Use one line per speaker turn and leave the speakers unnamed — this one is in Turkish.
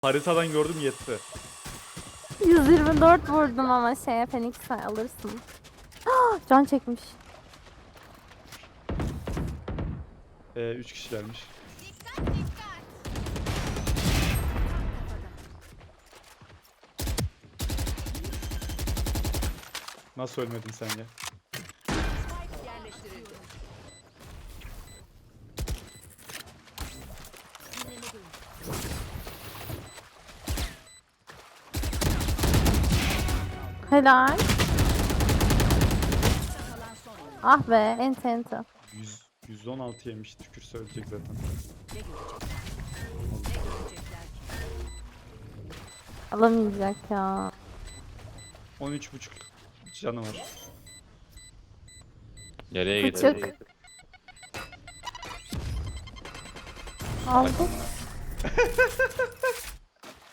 Haritadan gördüm yetti.
124 vurdum ama şeye Phoenix'e alırsın. Can çekmiş.
3 kişilermiş. Nasıl ölmedin sen ya?
Helal. Ah be ente ente.
116 yemiş, tükürse ölecek zaten.
Alamayacak ya.
13,5 canı var.
Nereye gitti?
Küçük. Aldık.